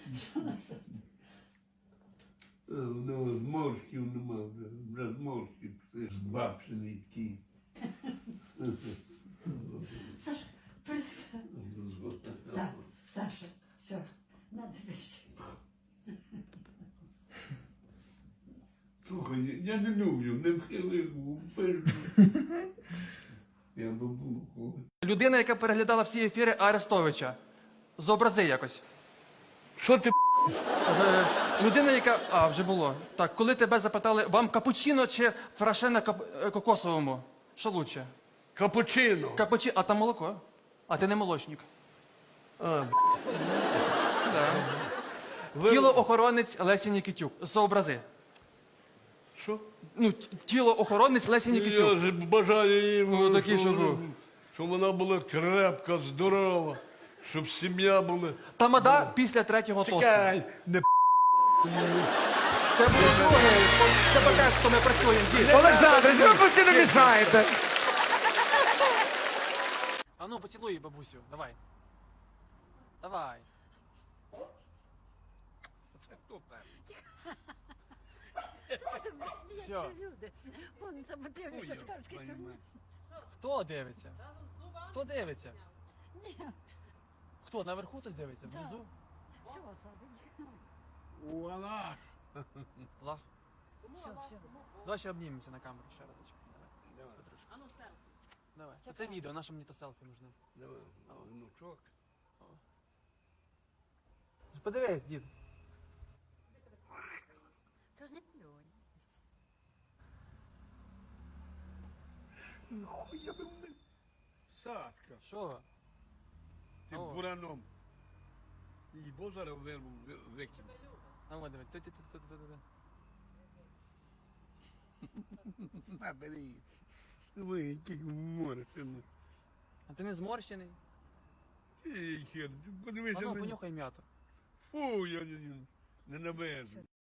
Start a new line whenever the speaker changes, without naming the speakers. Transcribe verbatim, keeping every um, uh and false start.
Ну, зморшків нема вже, вже зморшків, збабшений такий.
Саша, перестань. Так, Саша, все, надо більше.
Слухай, я не люблю, не вхилив, вперед. Я бабуху.
Людина, яка переглядала всі ефіри Арестовича. Зобрази якось.
Що ти?
Е, людина, яка. А, вже було. Так, коли тебе запитали, вам капучино чи фраше на кап... е, кокосовому? Що лучше?
Капучино.
Капучино, а там молоко. А ти не молочник.
А,
Да.
ви-
Тілоохоронець Лесі Нікітюк. Зобрази.
Що?
Ну, т- тілоохоронець Лесі
Я
Нікітюк.
ж бажаю їм,
Ну, такий,
щоб,
щоб-
щоб вона була крепка, здорова, щоб сім'я була.
Тамада після третього тосту.
Чекай, не
Це буде другий. Це таке, що ми працюємо. Дід.
Олександр, що ви постійно мішаєте?
А ну, поцілуй бабусю, давай. Давай. Що?
Люди, вон там дивляться з Карської сторони.
Хто дивиться? Хто дивиться? Хто, наверху хтось дивиться? Внизу?
Все, Садик.
Вона.
Лах.
Все, все.
Давай ще обнімемося на камеру ще разочок. Давай. А ну, давай. Це відео, наше мені то селфі нужне.
Давай, внучок.
Подивись, дід.
То ж не плюнь.
Хуя ви мене. Сашка,
Що?
ти
О.
бураном. І бо зараз вирву, викину.
А вот давай. Ту-ту-ту-ту-ту-ту.
На, бери. Ви, який море, сину.
А ти не зморщений?
Ей, хер, ти
А
подивися
ну,
на...
понюхай м'яту.
Фу, я не, не набежу.